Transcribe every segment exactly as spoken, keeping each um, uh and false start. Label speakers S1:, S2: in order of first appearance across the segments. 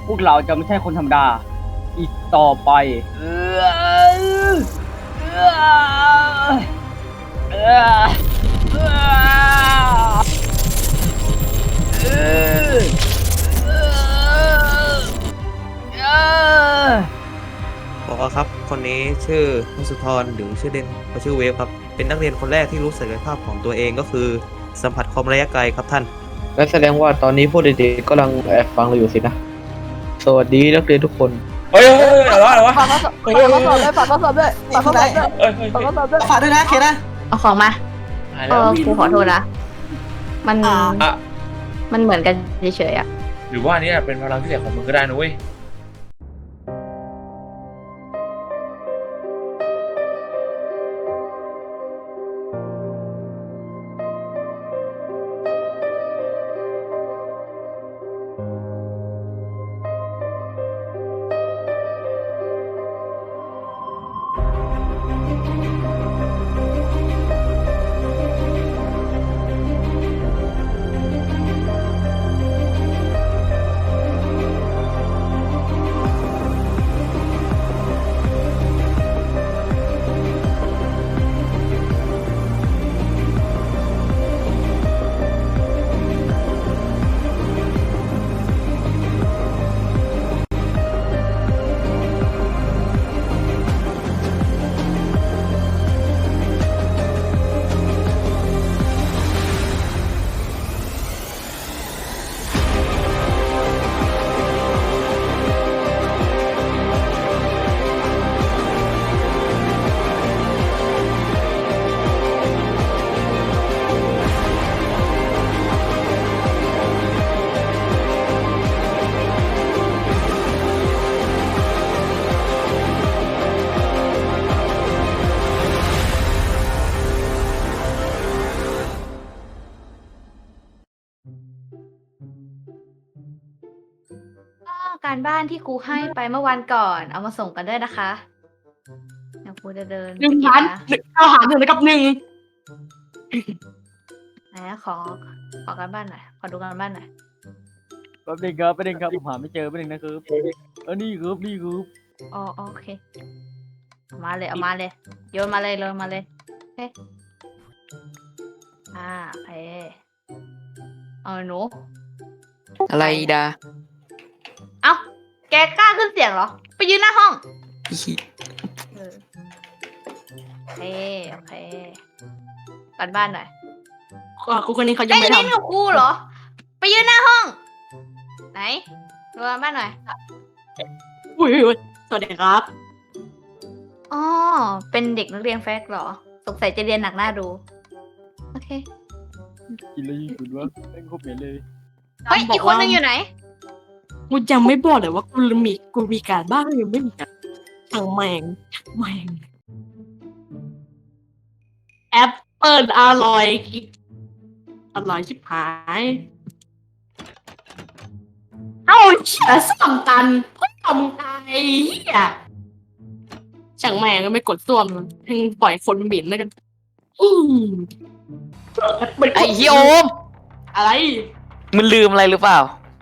S1: พวกเราจะไม่ใช่คนธรรมดาอีกต่อไปเออเออเออเออเออเออ
S2: บอกว่าครับคนนี้ชื่อมุสุธรหรือชื่อเด่นเขาชื่อเวฟครับเป็นนักเรียนคนแรกที่รู้ศักยภาพของตัวเองก็คือสัมผัสความระยะไกลครับท่าน
S3: งั้นแสดงว่าตอนนี้พวกเด็กๆกำลังแอบฟังเราอยู่สินะ สวัสดีนักเรียนทุกคน
S4: เฮ้ยเฮ้ยอะไรวะอะไรวะ
S5: ฝากข้อสอบฝากข้อสอบด้วยฝากข้อสอบด้วย
S4: เอ้ยเฮ้ย
S5: ฝากข้อสอบด้วย
S6: ฝากด้วยนะเคนะ
S5: เอาของมาเออครูขอโทษนะ มัน
S4: อ่ะ
S5: มันเหมือนกันเฉยๆอ่ะ
S4: หรือว่านี่เป็นพลังพิเศษของมึงก็ได้นะเว้ย
S5: ก็การบ้านที่ครูให้ไปเมื่อวันก่อน เอามาส่งกันด้วยนะคะเดี๋ยวครูจะเดิน
S7: หนึ่ง
S5: ไปเก็บ
S7: พัน
S5: นะ
S7: เอาหารหนึ่งกับหนึ่ง
S5: ไหนขอขอการบ้านหน่อยขอดูการบ้านหน่อย
S1: แป๊บนึงครับแป๊บนึงครับผมหาไม่เจอแป๊บนึงนะครับเออนี่ครับนี่ครับ
S5: อ๋อโอเคเอามาเลยเอามาเลยโยนมาเลยโยนมาเลยโอเคอ่าโอเคเอาหนู
S8: อะไรดา
S5: เอ้าแกกล้าขึ้นเสียงเหรอ ไปยืนหน้าห้อง
S8: อี
S5: เออโอเคโอเคการบ้านหน่อย
S7: อ่ะครูคนนี้เขายั
S5: ไอ้
S7: งไม่
S5: ยนี่
S7: ทำ
S5: กับครูเหรอ ไปยืนหน้าห้อง ไหนดูการบ้านหน่อย
S7: อุ้ยอุ้ยสวัสดีครับ
S5: อ๋อ เป็นเด็กนักเรียนแฟกเหรอ สงสัยจะเรียนหนักหน้าดู โอเค
S1: กินอะไรญี่ปุ่นวะแม่งโคตรเหม็นเลย
S5: เฮ้ย อีกคนนึงอยู่ไหน
S7: กูยังไม่บอกเลยว่ากูมีกูมีการบ้านหรือไม่มีการช่างแมงแมงแอปเปิลอร่อยอร่อยชิบหายเอ้าเชี่ยสามตันเพิ่งทำไงเฮียช่างแมงก็ไม่กดส้วมให้ปล่อยคนหมิ่นแล้วกันอืม
S8: ไอ้เฮียโอม
S7: อะไร
S8: มึงลืมอะไรหรือเปล่า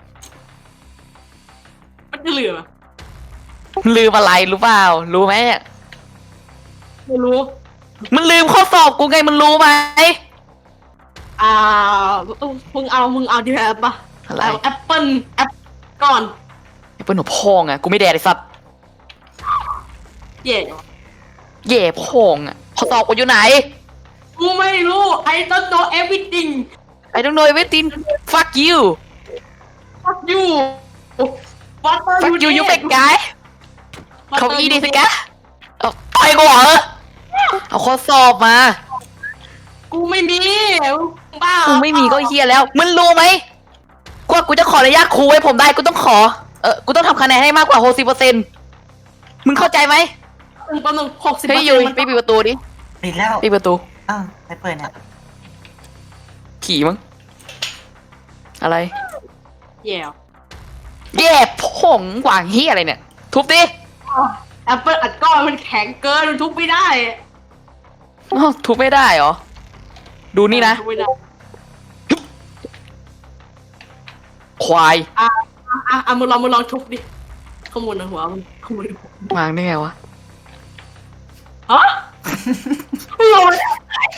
S7: มันจะเหลือ
S8: มึงลืมอะไรรู้เปล่า รู้ไหม
S7: ไม่รู้
S8: มึงลืมข้อสอบกูไงมึงรู้ไหม
S7: อ่ามึงเอา มึงเอาดีแบบปะ
S8: อะไร
S7: เอาแอปเปิลแอปก่อน
S8: ไอ้เปิ้ลหัวพองอ่ะกูไม่แดดไอ้สัตว์
S7: เย่
S8: เย่พองอ่ะข้อสอบกูอยู่ไหน
S7: กูไม่รู้ I don't know everything
S8: I don't know everything fuck you
S7: fuck you what are
S8: fuck you
S7: you
S8: you
S7: doing?
S8: fake guy
S7: What
S8: เขา
S7: are
S8: อี
S7: you
S8: ดีสิ
S7: doing?
S8: กะเอาต่อยกูเหรอเอาข้อสอบมา
S7: กูไม่มีบ้า
S8: มึงไม่มีก็เฮียแล้ว มึงรู้ไหมกว่ากูจะขออนุญาตครูให้ผมได้กูต้องขอ เออกูต้องทำคะแนนให้มากกว่าหกสิบเปอร์เซ็นต์มึงเข้าใจไหม
S7: หนึ่งต่อหนึ่งหกสิบ
S8: เฮ้ยยุยไปปิดประตูดิ
S6: ปิดแล้ว
S8: ปิดประตู
S6: อ้าวใครเปิดเนี่ย
S8: ขี่มั้งอะไร
S7: เย่
S8: แย่ผงหวางเฮียอะไรเนี่ย ทุบดิ
S7: แอปเปิลอัดก้อนมันแข็งเกินมันทุบไม่ได้
S8: อ้าวทุบไม่ได้เหรอ ดูนี่นะ
S7: ทุบไม่ได้
S8: ควาย
S7: อ่าอ่ะอ่ะมึงลองมึงลองทุบดิข้อมูลในหัวมึงข้อมูลในหัว
S8: วางได้ไงวะ
S7: ฮะมึงลองมาแล้ว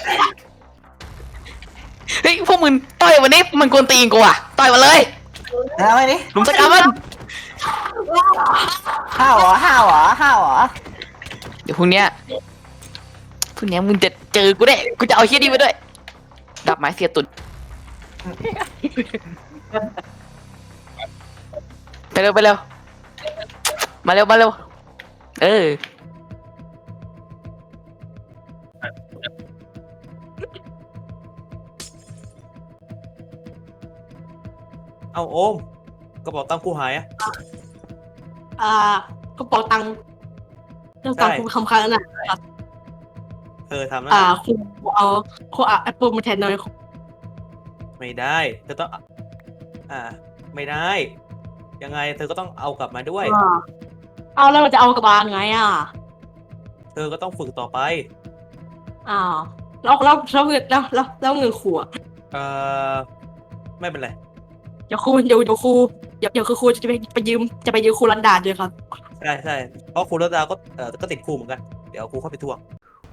S8: เฮ้ยพวกมึงต่อยวันนี้มันกวนตีนกูอ่ะต่อยมาเลย
S6: เดี๋ยวเอาไปดิ
S8: หลุมสกรรมมัน
S6: ห้าวเหรอห้าวเหรอห้าวเหรอ
S8: เดี๋ยวพรุ่งเนี้ยพรุ่งเนี้ยมึงจะเจอกูได้กูจะเอาเฮี้ยนี่ไปด้วยดับไม้เสียตุนไปเร็วไปเร็วมาเร็วมาเร็วเออ
S2: เอาโอมกระเป๋าตังค์กูหายอะ
S7: อ่ากระเป๋าตังค์กระเป๋าตังค์คุณคำค้างน่ะ
S2: เธอทำแล้ว
S7: อ่า
S2: นะ
S7: คุณเอาคุณเอาแอปเปิลมาแทนหน่อย
S2: ไม่ได้เธอต้องอ่าไม่ได้ยังไงเธอก็ต้องเอากลับมาด้วย
S7: อ่าเอาแล้วเราจะเอากระบาลไงอ่ะ
S2: เธอก็ต้องฝึกต่อไป
S7: อ้าวแล้วแล้วแล้วเงินแล้วแล้วแล้วเงินครูอ่ะ
S2: เอ่อไม่เป็นไร
S7: เดี๋ยวครูเดี๋ยวเดี๋ยวครูเดี๋ยวเดี๋ยวคือครูจะไปไปยืมจะไปยืมครูรันดาด้วยครับ
S2: ใช่ใช่เพราะครูรัตดาก็เอ่อก็ติดครูเหมือนกันเดี๋ยวครูเข้าไปทวง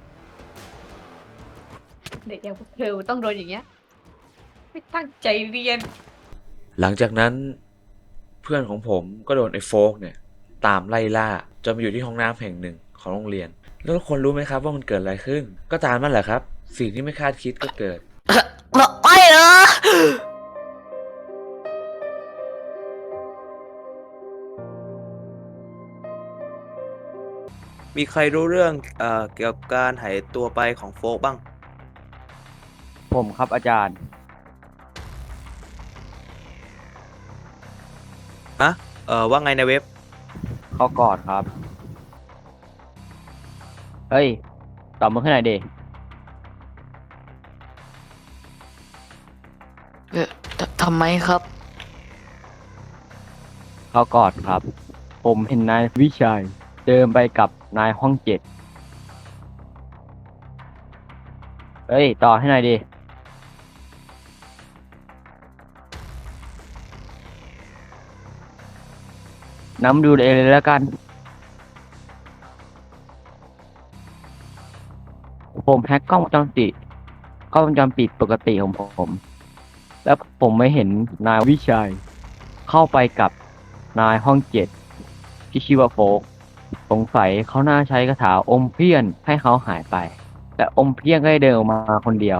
S5: เด็กอย่างพวกเธอต้องโดนอย่างเงี้ย ไม่ตั้งใจเรียน
S9: หลังจากนั้นเพื่อนของผมก็โดนไอ้โฟกเนี่ยตามไล่ล่าจนมาอยู่ที่ห้องน้ำแห่งหนึ่งของโรงเรียน แล้วทุกคนรู้ไหมครับว่ามันเกิดอะไรขึ้น ก็ตามนั่นแหละครับ สิ่งที่ไม่คาดคิดก็เกิด
S8: ไม่นะ
S2: มีใครรู้เรื่องเอ่อเกี่ยวกับการหายตัวไปของโฟกบ้าง
S1: ผมครับอาจารย์
S2: นะเอ่อว่าไงในเว็บ
S1: เขากอดครับ เฮ้ย ตอบมาขึ้นหน่อยดิ
S8: เออททำไมครับ
S1: เขากอดครับ ผมเห็นนายวิชัยเดินไปกับนายห้องเจ็ด เฮ้ย ต่อให้หน่อยดิ น้ำดูเองเลยแล้วกัน ผมแฮ็กกล้องวงจรปิดกล้องวงจรปิดปกติของผม แล้วผมไม่เห็นนายวิชัย เข้าไปกับนายห้องเจ็ดที่ชื่อว่าโฟกสงสัยเขาน่าใช้คาถาอมเพี้ยนให้เขาหายไป แต่อมเพี้ยนก็ได้เดินออกมาคนเดียว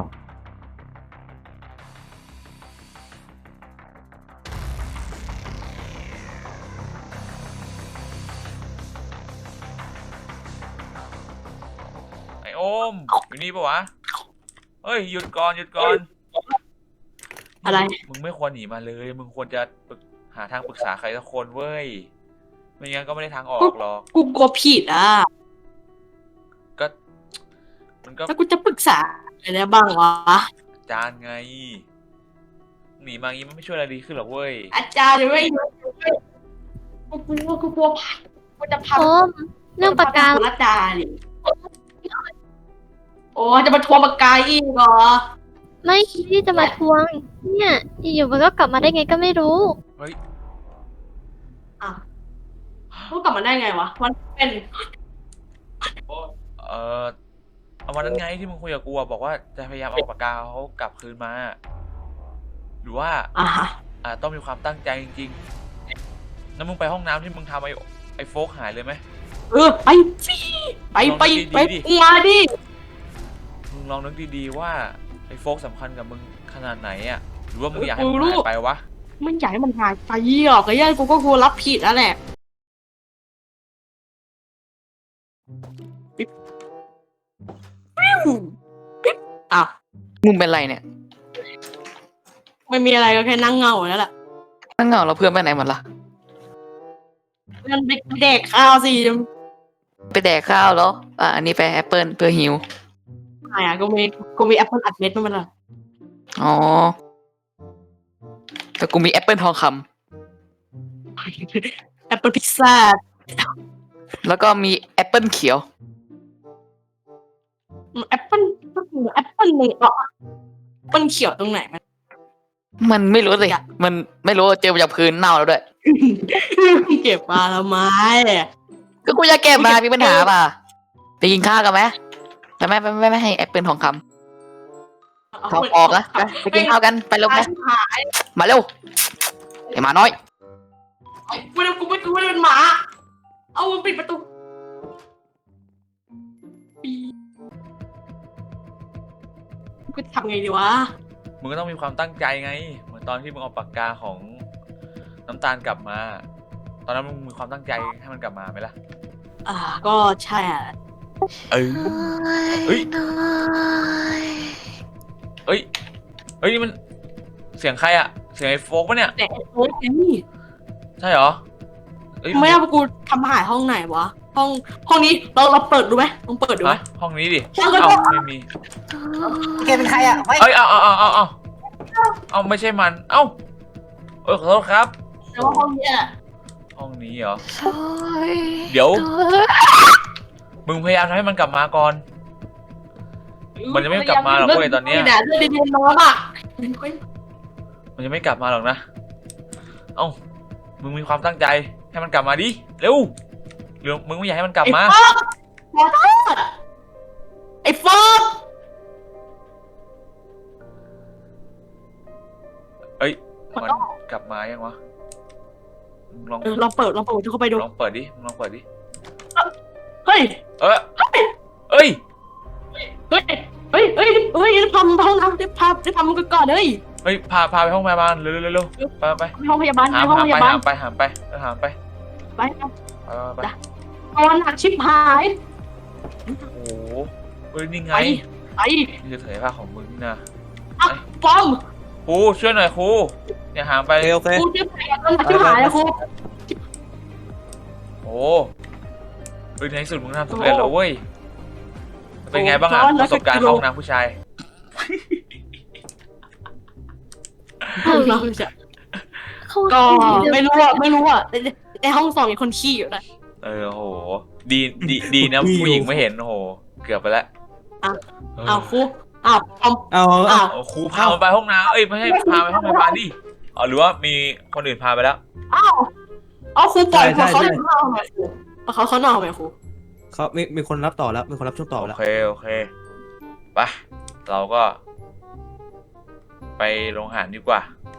S4: ไอโอมอยู่นี่ปะวะเฮ้ยหยุดก่อนหยุดก่อน
S7: อะไร
S4: มึงไม่ควรหนีมาเลย มึงควรจะปรึกหาทางปรึกษาใครสักคนเว้ยไม่งั้นก็ไม่ได้ทางออกหรอก
S7: กูกลัวผิดอ่ะ
S4: ก็มันก็
S7: แล้วกูจะปรึกษาอะไรได้บ้างวะ
S4: อาจารย์ไงหนีมางี้มันไม่ช่วยอะไรดีขึ้นหรอกเว้ย
S7: อาจารย์ไม่กูกลัวกูกลัวพัดกูจะพัด
S10: โอมเรื่องปากกา
S7: ครูรัตดาดิโอ้จะมาทวงปากกาอีกเหรอ
S10: ไม่คิดที่จะมาทวง เนี่ยอยู่ๆมันก็กลับมาได้ไงก็ไม่รู้
S4: เฮ้ย
S7: อ่ะเขากลับมาได้ไงวะมันเป็น
S4: เออเอาวันนั้นไงที่มึงคุยกับกูอะบอกว่าจะพยายามเอาปากกาเขากลับคืนมา หรือว่า
S7: อ่ะฮะ
S4: อ่าต้องมีความตั้งใจจริงๆแล้วมึงไปห้องน้ำที่มึงทำไอ้ไอ้โฟกหายเลยไหม
S7: เออไปสิไปไปไป
S4: ลองดีๆดิ
S7: มาดิ
S4: มึงลองนึกดีๆว่าไอ้โฟกสำคัญกับมึงขนาดไหนอ่ะหรือว่ามึงอยากให้มันหายไปวะ
S7: มันอยากให้มันหายไปหรอกไอ้ยัยกูก็กลัวรับผิดแล้วแหละปิ๊บปิ๊บปิ๊บอ้าว
S8: มึงเป็นไรเนี่ย
S7: ไม่มีอะไรก็แค่นั่งเหงาแล้วแหละ
S8: นั่งเหงาแล้วเพื่อนไปไหนหมดล่ะ
S7: มันไปเด็กข้าวสิ
S8: ไปแดกข้าวแล้วอ่ะอันนี้ไปแอปเปิลเพื่อหิว
S7: ไหนอ่ะกูมีกูมีแอปเปิลอัดเม็ดมันละ
S8: อ๋อ แต่กูมีแอปเปิลทองคำ
S7: แอปเปิลพิซซ่า
S8: แล้วก็มีแอปเปิลเขียว
S7: แอปเปิลแอปเปิลหนึ่งอ่ะแอปเปิลเขียวตรงไหนมัน
S8: มันไม่รู้สิมันไม่รู้เจอมาจากพื้นเน่าแล้วด้วย
S7: เก็บมาทำไม
S8: ก็กูจะเก็บมามีปัญหาป่ะไปกินข้าวกันไหมแต่ไม่ไม่ไม่ไม่ให้แอปเปิลทองคำทองออกนะไปไปกินข้าวกันไปเร็วไหมมาเร็วไอ้หมาน้อย
S7: กูไม่กูไม่กูไม่ได้เป็นหมา เอามึงปิดประตูกูทำไงดีวะ
S4: มึงก็ต้องมีความตั้งใจไง เหมือนตอนที่มึงเอาปากกาของน้ำตาลกลับมา ตอนนั้นมึงมีความตั้งใจให้มันกลับมาไหมล่ะ
S7: อ่า ก็ใช่อ่ะ
S4: เออเฮ้ยเฮ้ย เฮ้ยนี่มันเสียงใครอะเสียงไอ้โฟกปะเนี่ย
S7: แต่โอ๊ยนี่
S4: ใช่เหรอเฮ้ย
S7: ไม่เอากูทำหายห้องไหนวะ ห้อง ห้องนี้เราเราเปิดดูไหมลองเปิดดูไหม
S4: ฮะห้องนี้ดิ
S7: ห้องก็
S4: เอ้าไม่มี
S6: แกเป็นใครอ่ะไม่
S4: เอ้ยเอาเอาเอาเอาเอาเอาไม่ใช่มัน เอ้าเออขอโทษครับ
S7: แต่ว่าห้องเนี้ย
S4: ห้องนี้เหรอ เดี๋ยว มึงพยายามทำให้มันกลับมาก่อน มันจะไม่กลับมาหรอกเว้ยตอนเนี้ย
S7: เรื่องดีๆน้องอ่ะ
S4: มันจะไม่กลับมาหรอกนะ เอ้า มึงมีความตั้งใจให้มันกลับมาดิ เร็วหรือมึงไม่อยากให้มันกลับมา
S7: ไอ้ฟอกขอโทษไอ้ฟอก
S4: เอ้ย มันกลับมายังวะมึงลอง
S7: เออลองเปิดลองเปิดเข้าไปดู
S4: ลองเปิดดิมึงลองเปิดดิ
S7: เฮ้ย
S4: เออเอ้ย
S7: เฮ้ย เฮ้ย เฮ้ย เฮ้ยพามึงไปห้องน้ำได้พาได้พามึงก่อนเฮ้ย
S4: เฮ้ย พา พาไปห้องพยาบาลเร็วเร็วเร็วไปไป
S7: ไปห้องพยาบาล
S4: หา
S7: ไปห้อง
S4: หา
S7: พ
S4: ไป
S7: ยาบาล
S4: หาไปหาไปหาไป
S7: ไป
S4: ไปไป
S7: ตอนหนักชิบหาย
S4: โอ้โหเฮ้ยนี่ไง
S7: ไป ไอ้
S4: นี่คือเถยผ้าของมึงนะ
S7: อ่ะฟอม
S4: ครูช่วยหน่อยครูอย่าหางไป
S2: โอเคโอเค
S7: กูชิบหายตอนหนักชิบหายแล้วครู
S4: โอ้เฮ้ยในที่สุดมึงทำสำเร็จแล้วเว้ย เป็นไงบ้างอะประสบการณ์เข้าห้องน้ำผู้ชาย
S7: เราจะ
S10: เขา
S7: ก็ไม่รู้อ่ะไม่รู้อ่ะในในห้องสองมีคนขี้อยู่นะ
S4: เออโห ดีดีดีนะผู้หญิงไม่เห็นโอ้โห เกือบไปแล้ว
S7: อ้าวครูอ้าวฟอม
S2: เอา
S7: อ้าว
S4: เอาครูพามันไปห้องน้ำเอ้ยไม่ใช่พาไปห้องพยาบาลดิอ๋อหรือว่ามีคนอื่นพาไปแล้ว
S7: อ้าวเอาครูปล่อยเขาเขานอนหน่อยครูเขาเขานอนไหมครู
S2: เขามีมีคนรับต่อแล้ว มีคนรับช่วงต่อ
S4: โอ
S2: แล้ว
S4: เคโอเคไปเราก็ ไปโรงอาหารดีกว่า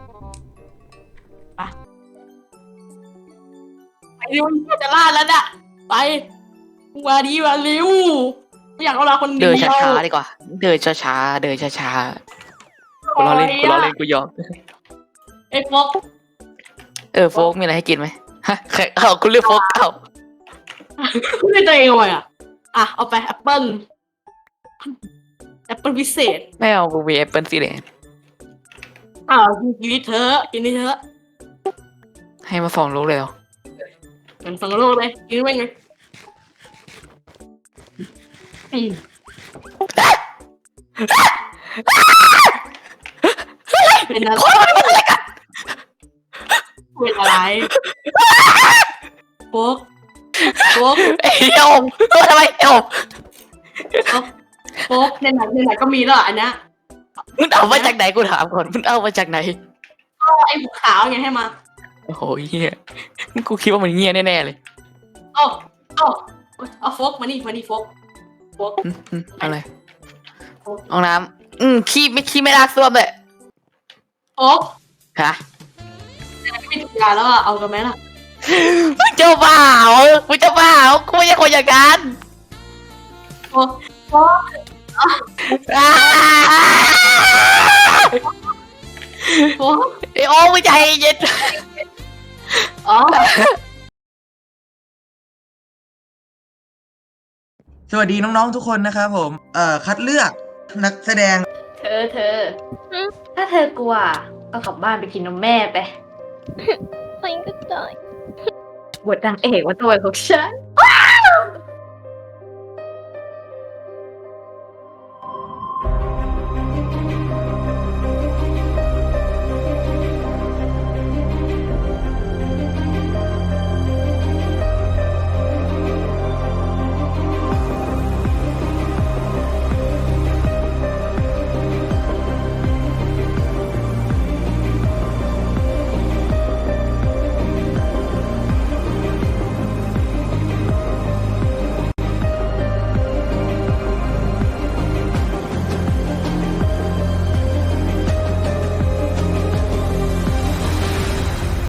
S7: ไปเร็วจะล่าแล้วน่ะไปมาดีมาเร็วไม่อยากเอาเราคนเดี
S8: เดิ
S7: ยวน
S8: ช้าๆดีกว่า เดินช้าๆเดินช้าๆกูล้อเล่นกูล้อเล่นกูยอม
S7: ไอ้ฟอก
S8: เออโฟกมีอะไรให้กินไหมฮะใครเอาคุณเลือกโฟกเอา
S7: คุณได้ตัวเองเอาไว้อ่ะอ่ะเอาไปแอปเปิ้ลแอปเปิ้ลพิเศษ
S8: ไม่เอากูมีแอปเปิลสีแดง
S7: อ้าวกินนี่เถอะกินนี่เถอะ
S8: ให้มาสองลูกเลยเหรอ
S7: เป็นสังโลกเลยกินไปไงอืมเป็นอะไรเป็นอะไรโฟกโฟก
S8: เอ้ยโอมตัวทำไมเอ้ยโอม
S7: โฟกในไหนในไหนก็มีแล้วอันเนี้ย
S8: มึงเอามาจากไหนกูถามก่อนมึงเอามาจากไหน
S7: เอาไอ้บุกขาวไงให้มา
S8: โอ้โหเฮียกูคิดว่ามันเงียแน่ๆเลย
S7: เอ้าเอ้าเอาโฟกมานี่มานี่โฟกโฟก
S8: อืมอืมอะไรห้องน้ำอืมขี้ไม่ขี้ไม่ลากซ่วมเลย
S7: โฟก
S8: ฮะ
S7: ไม่ถูกยาแล้วอ่ะเอากันไหมล่ะ
S8: มึงเจ้าบ่าวมึงเจ้าบ่าวกูไม่ใช่คนอย่างนั้น
S7: โฟกโฟก
S8: อ้า
S7: โฟก
S8: ไอโอ้มึงใจเย็น
S7: อ๋อ
S6: สวัสดีน้องๆทุกคนนะครับผม เอ่อ คัดเลือกนักแสดง
S5: เธอเธอ ถ้าเธอกลัวก็กลับบ้านไปกินนมแม่ไป
S10: ไปก็ได้
S5: บทนางเอกว่าตัวของฉัน